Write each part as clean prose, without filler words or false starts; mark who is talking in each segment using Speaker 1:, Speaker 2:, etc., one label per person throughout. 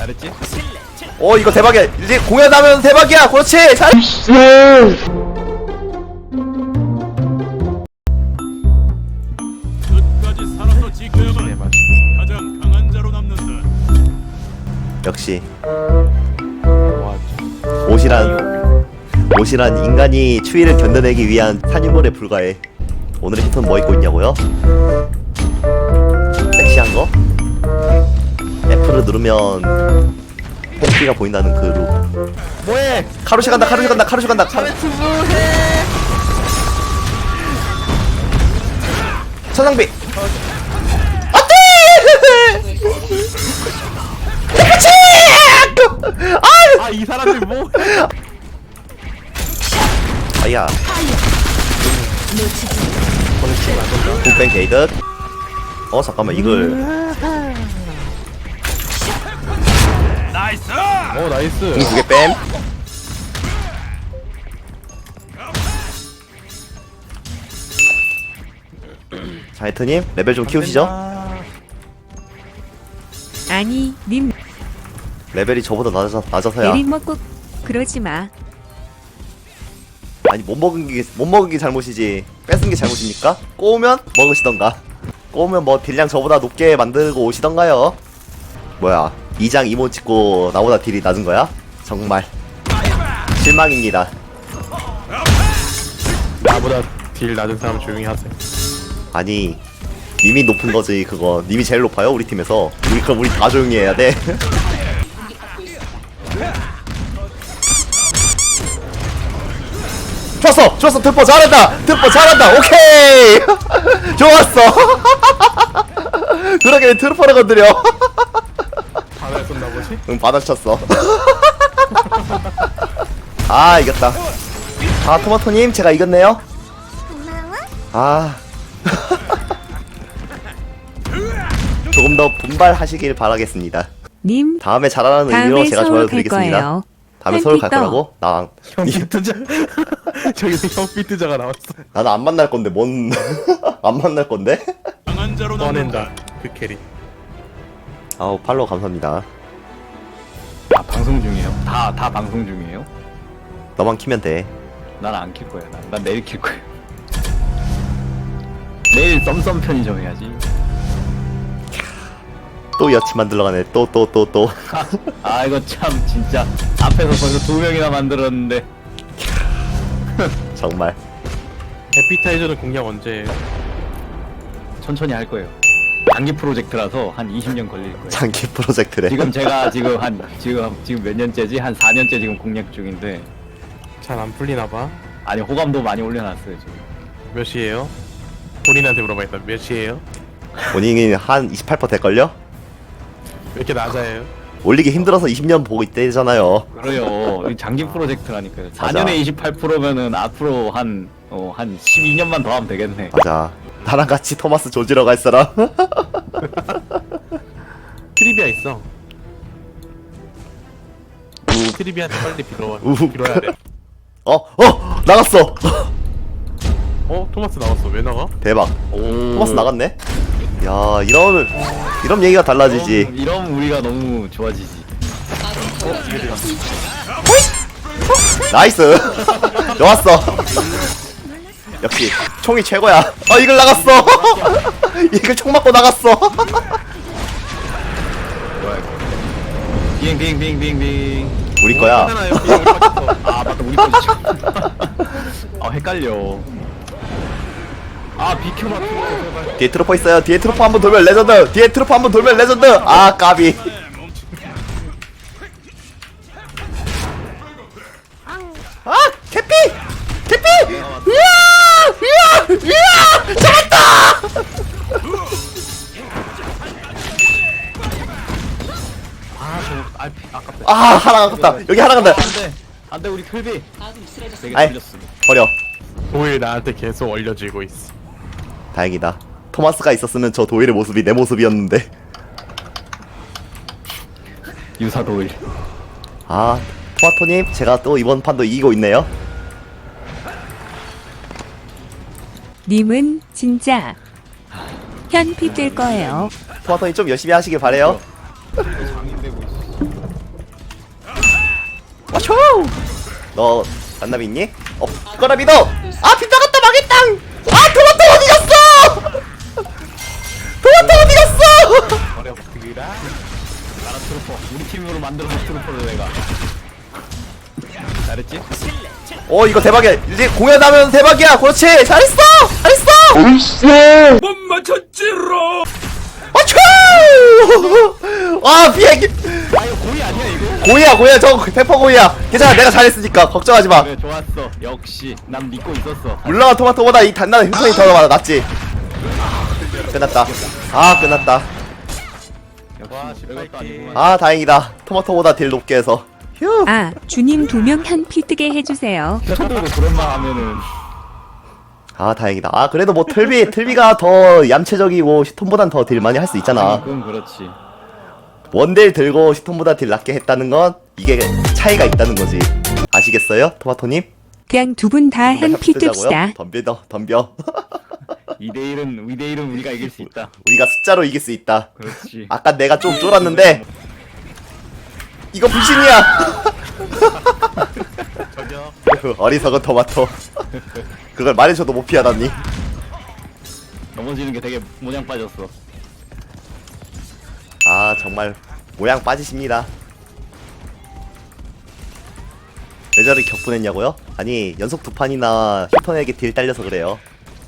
Speaker 1: 잘했지?
Speaker 2: 이거 대박이야. 이제 공연하면 대박이야. 그렇지. 잘.
Speaker 3: 끝까지 살아서 지켜야만 가장 강한 자로 남는다.
Speaker 2: 역시
Speaker 1: 와,
Speaker 2: 옷이란 인간이 추위를 견뎌내기 위한 산유물에 불과해. 오늘의 히트는 뭐 입고 있냐고요? 섹시한 거? F를 누르면 팬티가 보인다는 그 룩. 뭐해? 카루시 간다. 천상비. 안돼! 그렇지!
Speaker 1: 이 사람들 뭐?
Speaker 2: 아야. 굿뱅 게이드. 잠깐만 이걸.
Speaker 3: 나이스!
Speaker 1: 나이스.
Speaker 2: 공 2개 뺨. 자, 하이트님 레벨 좀 키우시죠.
Speaker 4: 아니, 님
Speaker 2: 레벨이 저보다 낮아서야.
Speaker 4: 내린 먹고 그러지 마.
Speaker 2: 아니 못 먹은 게 잘못이지. 뺏은 게 잘못입니까? 꼬우면 먹으시던가. 꼬우면 뭐 딜량 저보다 높게 만들고 오시던가요. 뭐야? 2장 이모 찍고 나보다 딜이 낮은 거야? 정말 실망입니다.
Speaker 1: 나보다 딜 낮은 사람 조용히 하세요.
Speaker 2: 아니 님이 높은 거지 그거. 님이 제일 높아요 우리 팀에서. 그럼 우리 다 조용히 해야 돼. 좋았어 트퍼 잘한다 오케이. 좋았어. 그러게 트루퍼를 건드려.
Speaker 1: 바다에 쏜다 보지?
Speaker 2: 응 받아쳤어. 아 이겼다. 토마토님 제가 이겼네요. 조금 더 분발하시길 바라겠습니다.
Speaker 4: 님
Speaker 2: 다음에 잘하라는 의미로
Speaker 4: 다음에
Speaker 2: 제가
Speaker 4: 서울
Speaker 2: 좋아요
Speaker 4: 갈
Speaker 2: 드리겠습니다.
Speaker 4: 거예요.
Speaker 2: 다음에 서울 갈
Speaker 4: 팬피터.
Speaker 2: 거라고?
Speaker 1: 형 비트자. 저기서 형 비트자가 나왔어.
Speaker 2: 나는 안 만날 건데 뭔 안 만날 건데?
Speaker 3: 강한 자로 남는다.
Speaker 1: 꺼낸다. 그 캐리.
Speaker 2: 아우 팔로우 감사합니다.
Speaker 5: 방송 중이에요? 다 방송 중이에요?
Speaker 2: 너만 키면 돼.
Speaker 5: 난 안 킬 거야. 난 내일 킬 거야. 내일 썸썸 편의점 해야지.
Speaker 2: 또 여친 만들러 가네. 또.
Speaker 5: 이거 참 진짜 앞에서 벌써 2명이나 만들었는데.
Speaker 2: 정말.
Speaker 1: 에피타이저는 공략 언제 해요?
Speaker 5: 천천히 할 거예요. 장기 프로젝트라서 한 20년 걸릴 거예요.
Speaker 2: 장기 프로젝트래.
Speaker 5: 지금 제가 지금 몇 년째지? 한 4년째 지금 공략 중인데.
Speaker 1: 잘 안 풀리나 봐.
Speaker 5: 아니 호감도 많이 올려놨어요 지금.
Speaker 1: 몇 시에요? 본인한테 물어봐야겠다. 몇 시에요?
Speaker 2: 본인이 한 28% 될걸요?
Speaker 5: 아,
Speaker 1: 왜 이렇게 낮아요?
Speaker 2: 올리기 힘들어서 20년 보고 있대잖아요.
Speaker 5: 그래요. 이 장기 프로젝트라니까요.
Speaker 2: 맞아.
Speaker 5: 4년에 28%면은 앞으로 한 12년만 더 하면 되겠네.
Speaker 2: 맞아. 나랑 같이 토마스 조지러 갈 사람?
Speaker 1: 트리비아 있어. 트리비아한테 빨리 빌어와.
Speaker 2: 우후.
Speaker 1: 빌어야 돼.
Speaker 2: 나갔어.
Speaker 1: 토마스 나왔어. 왜 나가?
Speaker 2: 대박. 토마스 나갔네. 야, 이런 얘기가 달라지지.
Speaker 5: 이러면 우리가 너무 좋아지지.
Speaker 2: 나이스. 좋았어. 역시 총이 최고야. 이글 나갔어. 이글 총 맞고 나갔어.
Speaker 5: 뭐야 이거? 빙.
Speaker 2: 우리 거야.
Speaker 1: 하나 여기 우리 빠졌어.
Speaker 5: 맞다 우리 포지션. 헷갈려. 비켜봐 제발.
Speaker 2: 뒤에 트로퍼 있어요. 뒤에 트로퍼 한번 돌면 레전드. 뒤에 트로퍼 한번 돌면 레전드. 까비. 캐피. 이야. 잡았다.
Speaker 5: 아깝다.
Speaker 2: 하나 아깝다. 여기 하나 간다.
Speaker 5: 안돼 우리 클비. 되게
Speaker 2: 아이.
Speaker 5: 틀렸어.
Speaker 2: 버려.
Speaker 1: 도일 나한테 계속 얼려지고 있어.
Speaker 2: 다행이다. 토마스가 있었으면 저 도일의 모습이 내 모습이었는데.
Speaker 5: 유사도일.
Speaker 2: 토마토님 제가 또 이번 판도 이기고 있네요.
Speaker 4: 님은 진짜 현피 될 거예요.
Speaker 2: 토마토님 좀 열심히 하시길 바래요. 와쇼! 너 만남 있니? 없거나 믿어! 아 빗나갔다 망했당! 아 토마토 어디 갔어! 토마토 어디 갔어!
Speaker 1: 어렵드라.
Speaker 5: 나라 트루퍼. 우리 팀으로 만들어서 트루퍼를 내가. 잘했지?
Speaker 2: 이거 대박이야. 이제 공연하면 대박이야. 그렇지. 잘했어.
Speaker 3: 못 맞췄지로.
Speaker 2: 와초! 와 비행기.
Speaker 5: 아 이거 고의 아니야 이거?
Speaker 2: 고이야. 저 페퍼 고이야. 괜찮아. 내가 잘했으니까 걱정하지 마.
Speaker 5: 그래 좋았어. 역시 난 믿고 있었어.
Speaker 2: 물론 토마토보다 이 단단한 흉성이 더 낫지. 끝났다. 아 끝났다.
Speaker 5: 역시 별것도 아니구만.
Speaker 2: 아 다행이다. 토마토보다 딜 높게 해서. 휴.
Speaker 4: 아, 주님 2명 현피 뜨게 해주세요.
Speaker 5: 저도 그런 말 하면은
Speaker 2: 아 다행이다. 아 그래도 뭐 틀비가 더 얌체적이고 시톤보단 더 딜 많이 할 수 있잖아.
Speaker 5: 그건 그렇지.
Speaker 2: 원딜 들고 시톤보다 딜 낮게 했다는 건 이게 차이가 있다는 거지. 아시겠어요, 토마토님?
Speaker 4: 그냥 두 분 다 현피 뜹시다.
Speaker 2: 덤벼.
Speaker 5: 2대1은 우리가 이길 수 있다.
Speaker 2: 우리가 숫자로 이길 수 있다.
Speaker 5: 그렇지.
Speaker 2: 아까 내가 좀 쫄았는데 이거 불신이야. 어리석은 토마토. 그걸 말해줘도 못 피하다니.
Speaker 5: 넘어지는 게 되게 모양 빠졌어.
Speaker 2: 아 정말 모양 빠지십니다. 왜 저리 격분했냐고요? 아니 연속 2판이나 슈퍼에게 딜 딸려서 그래요.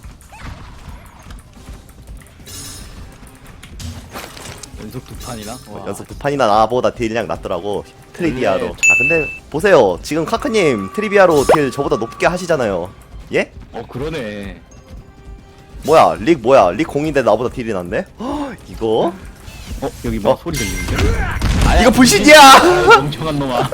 Speaker 5: 연속 2판이나? 와.
Speaker 2: 연속 2판이나 나보다 딜량 낮더라고. 트리비아로. 아 근데 보세요. 지금 카크님 트리비아로 딜 저보다 높게 하시잖아요. 예?
Speaker 5: 그러네.
Speaker 2: 뭐야 릭 뭐야 릭 공인데 나보다 딜이 낮네? 헉, 이거?
Speaker 5: 여기 뭐
Speaker 2: 어.
Speaker 5: 소리 들리는데? 아야,
Speaker 2: 이거 불신이야!
Speaker 5: 아유, 멍청한 놈아.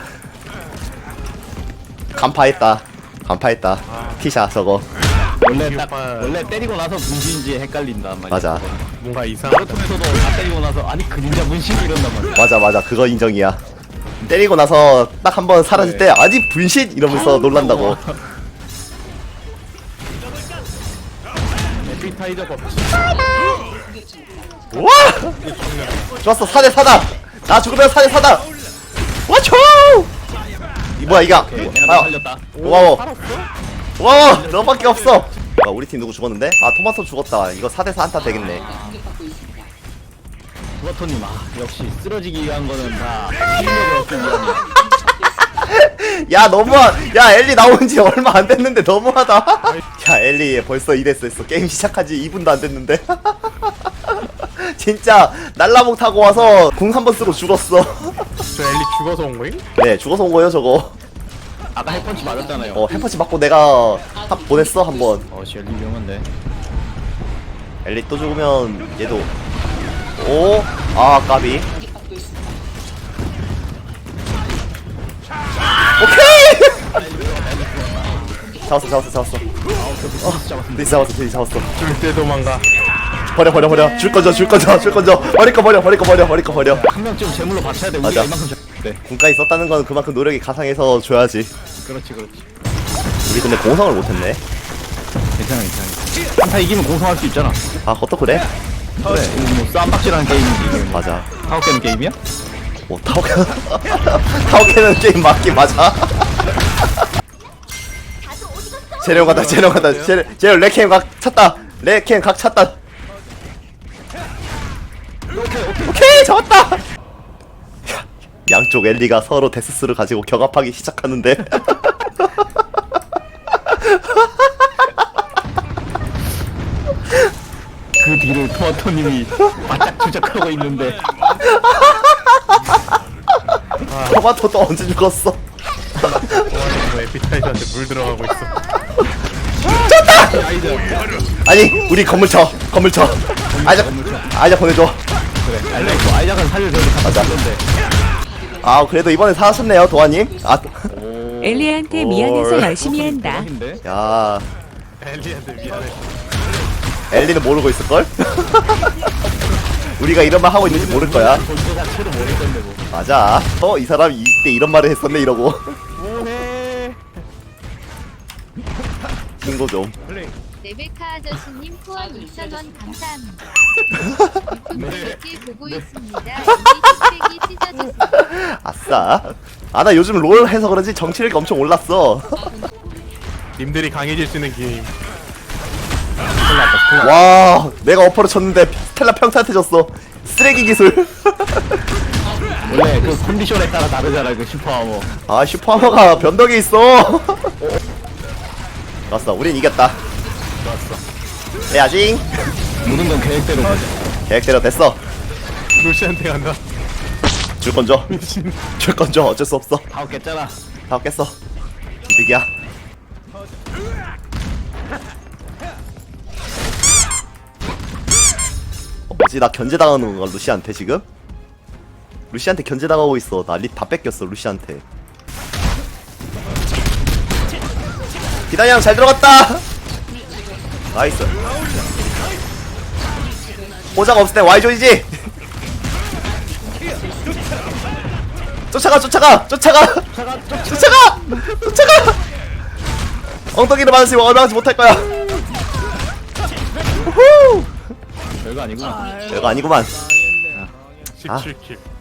Speaker 2: 간파했다. 티샤 저거.
Speaker 5: 원래 때리고 나서 분신인지 헷갈린단 말이야.
Speaker 2: 맞아.
Speaker 1: 뭔가 이상하다.
Speaker 5: 나루토에서도 다 때리고 나서 아니 그림자 분신 이런단 말이야.
Speaker 2: 맞아 그거 인정이야. 때리고 나서 딱 한 번 사라질 때 아직 분신 이러면서 놀란다고.
Speaker 1: 에피타이저 법칙.
Speaker 2: 와! 좋았어 4대4다. 나 죽으면 4대4다. 와초! 이 뭐야 이거?
Speaker 5: 내가 너 살렸다.
Speaker 2: 고마워 너밖에 없어. 우리 팀 누구 죽었는데? 아 토마토 죽었다. 이거 4대4 한타 되겠네.
Speaker 5: 토마토님 역시 쓰러지기 위한 거는 다 실력을 얻기 위함이야.
Speaker 2: 야 야 엘리 나온지 얼마 안 됐는데 너무하다. 야 엘리 벌써 이랬어. 게임 시작한 지 2분도 안 됐는데. 진짜 날라목 타고 와서 궁 한 번 쓰고 죽었어.
Speaker 1: 저 엘리 죽어서 온 거임?
Speaker 2: 네 죽어서 온 거예요 저거.
Speaker 5: 아까 핵펀치 맞았잖아요.
Speaker 2: 햄퍼치 맞고 내가 보냈어 한번.
Speaker 5: 젤리 위험한데.
Speaker 2: 엘리 또 죽으면 얘도. 오, 아 까비. 오케이. 잡았어. 드디 잡았어.
Speaker 1: 줄때 도망가.
Speaker 2: 버려. 줄 건져. 버릴 거 버려.
Speaker 5: 한 명쯤 제물로 바쳐야 돼.
Speaker 2: 맞아.
Speaker 5: 우리가 이만큼 네.
Speaker 2: 군까지 썼다는 건 그만큼 노력이 가상해서 줘야지.
Speaker 5: 그렇지.
Speaker 2: 우리 근데 공성을 못했네.
Speaker 5: 괜찮아. 한타 이기면 공성할 수 있잖아.
Speaker 2: 아 그것도 그래?
Speaker 5: 그래. 이거 뭐 쌈박질하는 게임이지. 이게 뭐.
Speaker 2: 맞아.
Speaker 5: 타워 깨는 게임이야?
Speaker 2: 타오케는 게임 맞긴 맞아. 재령 간다. 재령 레캠 각 찼다. 오케이 잡았다. 양쪽 엘리가 서로 데스스를 가지고 경합하기 시작하는데.
Speaker 5: 그 뒤를 토마토님이 바짝 추적하고 있는데.
Speaker 2: 토마토 또 언제 죽었어?
Speaker 1: 뭐 에피타이저한테 물 들어가고 있어.
Speaker 2: 아니 우리 건물 쳐. 아이작 보내줘.
Speaker 5: 그래. 아이작은 살려줘도
Speaker 2: 맞아.
Speaker 5: 맞아.
Speaker 2: 아 그래도 이번에 살았었네요 도아님. 아
Speaker 4: 엘리한테 미안해서 열심히 한다.
Speaker 5: 대박인데?
Speaker 2: 야
Speaker 1: 엘리한테 미안해.
Speaker 2: 엘리는 모르고 있을걸? 우리가 이런 말 하고 있는지 모를 거야.
Speaker 5: 본체 자체도 모를 건데 뭐.
Speaker 2: 맞아. 이 사람 이때 이런 말을 했었네 이러고.
Speaker 1: 뭐해?
Speaker 2: 신고 좀.
Speaker 6: 레베카 아저씨님 후원 2,000원 감사합니다.
Speaker 1: 네.
Speaker 6: 이렇게 보고 있습니다. 여기 흰색이 찢어졌어요.
Speaker 2: 아싸. 아 나 요즘 롤 해서 그런지 정치력이 엄청 올랐어.
Speaker 1: 님들이 강해질 수 있는 기회임.
Speaker 2: 와 내가 어퍼를 쳤는데 스텔라 평타한테 졌어. 쓰레기 기술.
Speaker 5: 원래 그 컨디션에 따라 다르잖아 그 슈퍼하머.
Speaker 2: 아 슈퍼하머가 변덕이 있어. 좋았어 우린 이겼다. 좋았어 해야지.
Speaker 5: 모든 건 계획대로 가자.
Speaker 2: 계획대로 됐어.
Speaker 1: 루시한테 간다.
Speaker 2: 줄 건져. 줄 건져. 어쩔 수 없어.
Speaker 5: 다 깼잖아.
Speaker 2: 다 깼어. 이득이야. 뭐지 나 견제당하는 건가 루시한테 지금? 루시한테 견제당하고 있어. 나 립 다 뺏겼어 루시한테. 기다려 잘 들어갔다. 나이스. 보장 없을 때 Y존이지. 쫓아가 엉덩이를 맞으시면 얼마나 못할 거야. 우후
Speaker 5: 별거 아니구나.
Speaker 2: 별거 아니구만.
Speaker 3: 17킬